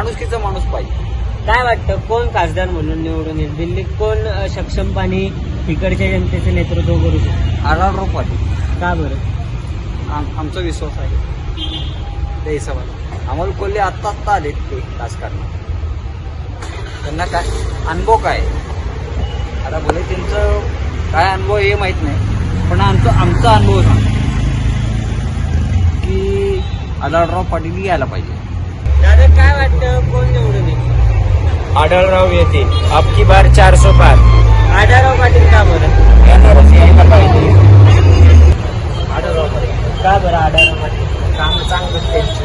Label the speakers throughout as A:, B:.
A: माणुसकीचा माणूस पाहिजे.
B: काय वाटतं कोण खासदार म्हणून निवडून येईल? दिल्लीत कोण सक्षमपणे इकडच्या जनतेचं नेतृत्व करू शकतो?
A: आढळराव पाटील.
B: का बरं?
A: आमचा विश्वास आहे त्या हिशोबाने. अमोल कोल्हे आत्ता आलेत ते राजकारणात, त्यांना काय अनुभव काय. आता भले त्यांचं काय अनुभव हे माहित नाही, पण आमचा अनुभव सांग की आढळराव पाटील यायला पाहिजे.
B: दादा काय वाटतं कोण निवडून येईल?
C: आढळराव येते. आपकी बार 400 पार.
B: आढळराव पाटील का बरं?
C: येणारच यायला पाहिजे.
A: आढळराव पाटील
B: का बरं आढळराव पाटील?
A: काम चांगलं त्यांची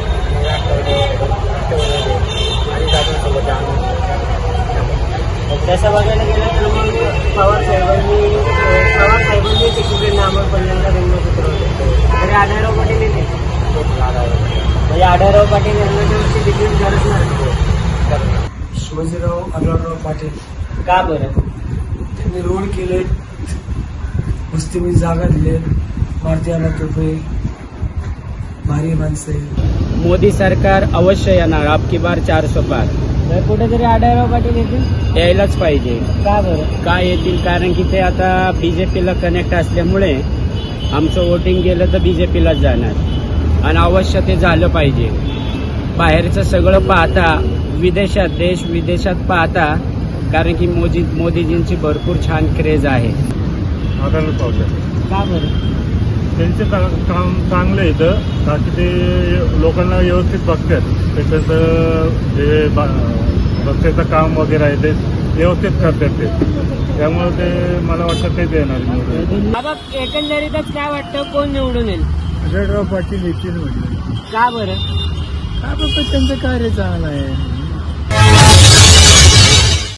B: तसं बघायला गेलं तर मग पवार साहेबांनी तिकडे नामं पहिल्यांदा रंगसूत्र होते, तरी आढळराव पाटील येते. म्हणजे आढळराव पाटील यांना वर्षी तिकीट गरज नाही.
D: शिवाजीराव आढळराव पाटील.
B: का बरं?
D: त्यांनी रोड केले, मुस्लिमी जागा दिले, मारुतीला रुपये, भारी माणसं आहे.
C: मोदी सरकार अवश्य येणार. आपकी बार 400 पार.
B: तर कुठेतरी आढळराव पाटील येतील.
C: यायलाच पाहिजे.
B: का बरं?
C: का येतील? कारण की ते आता बीजेपीला कनेक्ट असल्यामुळे आमचं वोटिंग गेलं तर बीजेपीलाच जाणार आणि अवश्य ते झालं पाहिजे. बाहेरचं सगळं पाहता, विदेशात देश विदेशात पाहता, कारण की मोदीजींची भरपूर छान क्रेज आहे.
E: आढळलं पावलं
B: का बरं?
E: त्यांचे काम चांगलं आहे इथं, कारण की ते लोकांना व्यवस्थित बघतात. त्याच्याचं जे रस्त्याचं काम वगैरे आहे ते व्यवस्थित करतात ते, त्यामुळे ते मला वाटतं तेच येणार निवडून.
B: बाबा एकंदरीतच काय वाटतं कोण निवडून येईल?
E: आढळराव पाटील येतील म्हणजे
B: का बरं?
E: काय बाबा त्यांचं कार्य चांगलं आहे.